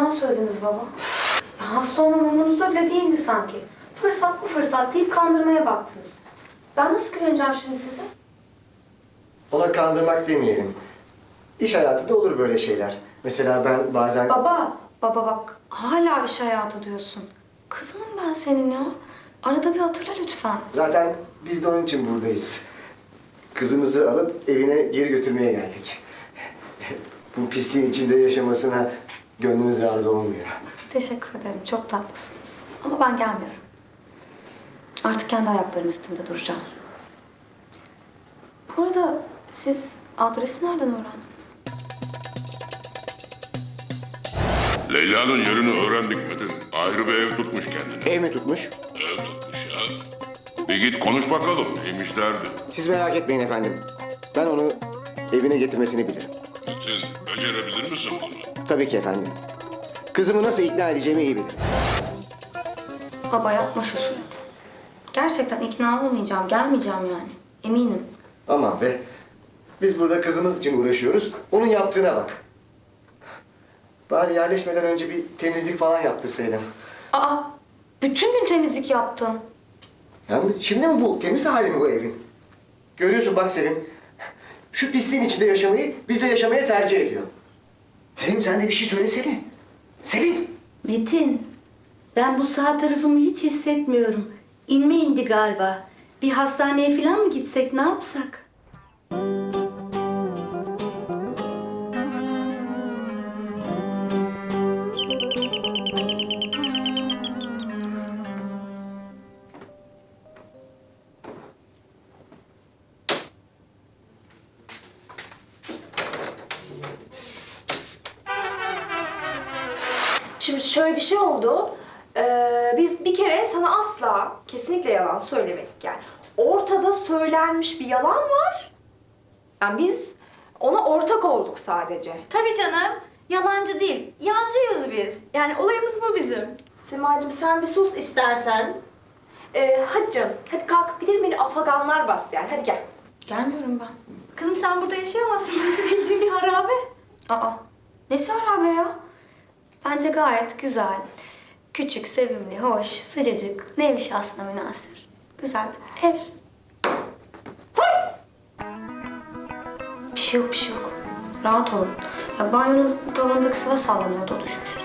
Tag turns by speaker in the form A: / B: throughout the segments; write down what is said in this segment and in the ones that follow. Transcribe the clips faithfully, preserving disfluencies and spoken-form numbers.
A: yalan söylediniz baba. Ya hasta olmam umurunuzda bile değildi sanki. Fırsat bu fırsat deyip kandırmaya baktınız. Ben nasıl güveneceğim şimdi size?
B: Ona kandırmak demeyelim. İş hayatında olur böyle şeyler. Mesela ben bazen...
A: Baba, baba bak hala iş hayatı diyorsun. Kızınım ben senin ya. Arada bir hatırla lütfen.
B: Zaten biz de onun için buradayız. Kızımızı alıp evine geri götürmeye geldik. Bu pisliğin içinde yaşamasına gönlümüz razı olmuyor.
A: Teşekkür ederim, çok tatlısınız. Ama ben gelmiyorum. Artık kendi ayaklarım üstünde duracağım. Bu arada siz adresi nereden öğrendiniz?
C: Leyla'nın yerini öğrendik Metin. Ayrı bir ev tutmuş kendine.
B: Ev mi tutmuş?
C: Ev tutmuş ya. Bir git konuş bakalım neymiş derdi.
B: Siz merak etmeyin efendim. Ben onu evine getirmesini bilirim.
C: Metin becerebilir misin bunu?
B: Tabii ki efendim. Kızımı nasıl ikna edeceğimi iyi bilirim.
A: Baba yapma şu surat. Gerçekten ikna olmayacağım, gelmeyeceğim yani. Eminim.
B: Aman be. Biz burada kızımız için uğraşıyoruz. Onun yaptığına bak. Bari yerleşmeden önce bir temizlik falan yaptırsaydım.
A: Aa, bütün gün temizlik yaptım.
B: Yani şimdi mi bu? Temiz hali mi bu evin? Görüyorsun bak Selim. Şu pisliğin içinde yaşamayı bizle yaşamaya tercih ediyor. Selim sen de bir şey söylesene. Selim.
D: Metin, ben bu sağ tarafımı hiç hissetmiyorum. İnme indi galiba. Bir hastaneye falan mı gitsek, ne yapsak?
E: Şimdi şöyle bir şey oldu. Ee, biz bir kere sana asla, kesinlikle yalan söylemedik yani. Ortada söylenmiş bir yalan var. Yani biz ona ortak olduk sadece.
F: Tabii canım. Yalancı değil. Yancıyız biz. Yani olayımız bu bizim.
E: Semacığım sen bir sus istersen. Ee, hadi canım, hadi kalk gidelim beni afaganlar bastı yani. Hadi gel.
A: Gelmiyorum ben.
F: Kızım sen burada yaşayamazsın. Burası bildiğin bir harabe.
A: Aa, nesi harabe ya? Bence gayet güzel. Küçük, sevimli, hoş, sıcacık, nevi şahsına münasır. Güzel bir ev. Bir şey yok, bir şey yok. Rahat olun. Ya banyonun tavanındaki sıva sallanıyordu, o düşmüştür.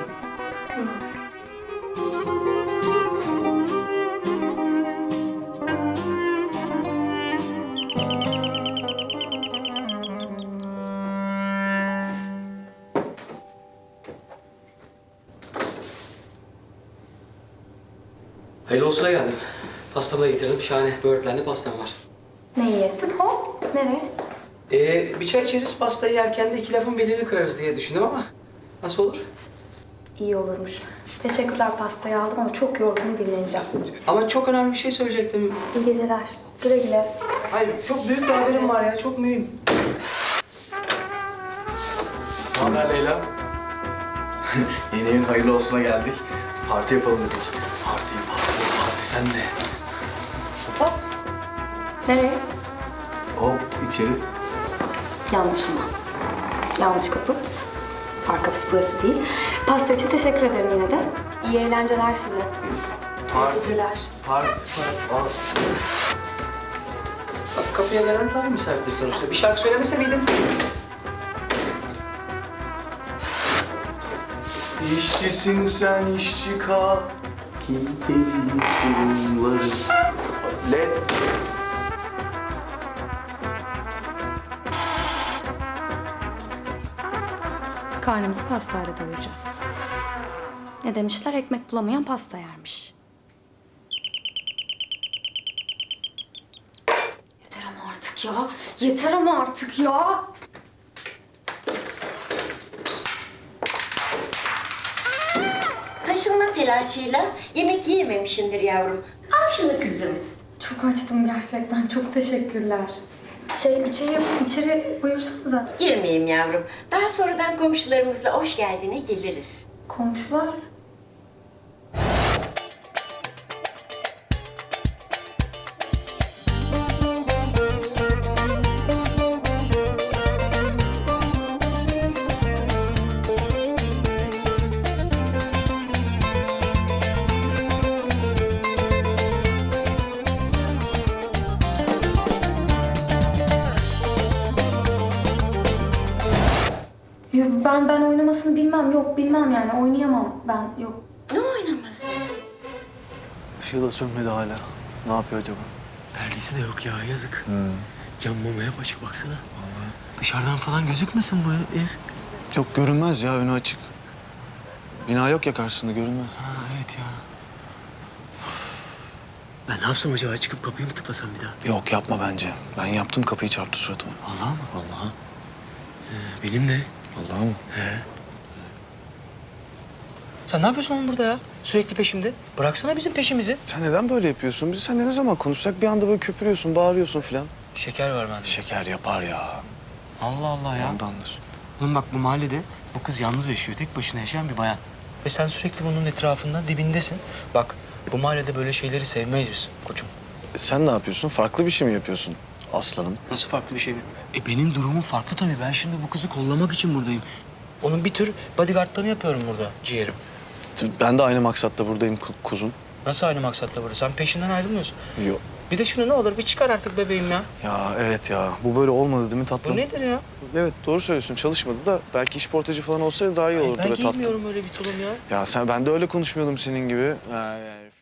G: Hayırlı olsuna geldim. Pastamı da getirdim. Şahane böğürtlenli pastam var.
A: Ne iyi ettin? Hop, nereye?
G: Ee, bir çay içeriz, pastayı yerken de iki lafın belini kırarız diye düşündüm ama nasıl olur?
A: İyi olurmuş. Teşekkürler, pastayı aldım ama çok yorgun, dinleneceğim.
G: Ama çok önemli bir şey söyleyecektim.
A: İyi geceler. Güle güle.
G: Hayır, çok büyük bir haberim var ya, çok mühim.
H: Ne haber Leyla? Yeni evin hayırlı olsuna geldik. Parti yapalım dedik. Parti, parti, parti sen de.
A: Hop. Nereye?
H: Hop içeri.
A: Yanlış ama. Yanlış kapı. Park kapısı burası değil. Pasta için teşekkür ederim yine de. İyi eğlenceler size.
H: Parti,
A: geceler.
H: parti, parti.
G: Bak kapıya gelen tam misafirdir sonuçta. Bir şarkı söylemese miydim?
H: İşçisin sen işçi kal. Kim dedi bunları? Le.
A: Karnımızı pastayla doyuracağız. Ne demişler? Ekmek bulamayan pasta yermiş. Yeter ama artık ya. Yeter ama artık ya.
D: Taşınma telaşıyla yemek yiyememişindir yavrum. Al şunu kızım.
A: Çok açtım gerçekten. Çok teşekkürler. Şey içeri, içeri buyursanıza.
D: Girmeyeyim yavrum. Daha sonradan komşularımızla hoş geldine geliriz.
A: Komşular. yani ben oynamasını bilmem. Yok bilmem yani oynayamam ben. Yok.
D: Ne oynaması?
H: Işığı da sönmedi hala. Ne yapıyor acaba?
G: Perdesi de yok ya yazık. Cam mama hep açık baksana. Dışarıdan falan gözükmesin bu ev.
H: Yok görünmez ya, önü açık. Bina yok ya karşısında, görünmez.
G: Ha evet ya. Ben ne yapsam acaba? Çıkıp kapıyı mı tıklasam bir daha?
H: Yok yapma bence. Ben yaptım, kapıyı çarptı suratıma.
G: Allah mı?
H: Vallahi.
G: Ee, benim de.
H: Vallahi mı?
G: Sen ne yapıyorsun oğlum burada ya? Sürekli peşimde. Bıraksana bizim peşimizi.
H: Sen neden böyle yapıyorsun? Biz seninle ne zaman konuşsak bir anda böyle köpürüyorsun, bağırıyorsun filan.
G: Şeker var bende.
H: Şeker yapar ya.
G: Allah Allah ya.
H: Ondandır.
G: Oğlum bak bu mahallede bu kız yalnız yaşıyor. Tek başına yaşayan bir bayan. Ve sen sürekli bunun etrafında dibindesin. Bak bu mahallede böyle şeyleri sevmeyiz biz koçum.
H: E sen ne yapıyorsun? Farklı bir şey mi yapıyorsun aslanım?
G: Nasıl farklı bir şey mi? E benim durumum farklı tabii. Ben şimdi bu kızı kollamak için buradayım. Onun bir tür bodyguardlığını yapıyorum burada ciğerim.
H: Ben de aynı maksatla buradayım ku- kuzum.
G: Nasıl aynı maksatla burada? Sen peşinden ayrılmıyorsun.
H: Yok.
G: Bir de şunu ne olur bir çıkar artık bebeğim ya.
H: Ya evet ya. Bu böyle olmadı değil mi tatlım?
G: Bu nedir ya?
H: Evet doğru söylüyorsun. Çalışmadı da belki işportacı falan olsaydı daha iyi
G: Ay,
H: olurdu
G: ben
H: be tatlım.
G: giymiyorum öyle bir tulum ya.
H: Ya sen ben de öyle konuşmuyordum senin gibi. Ha, yani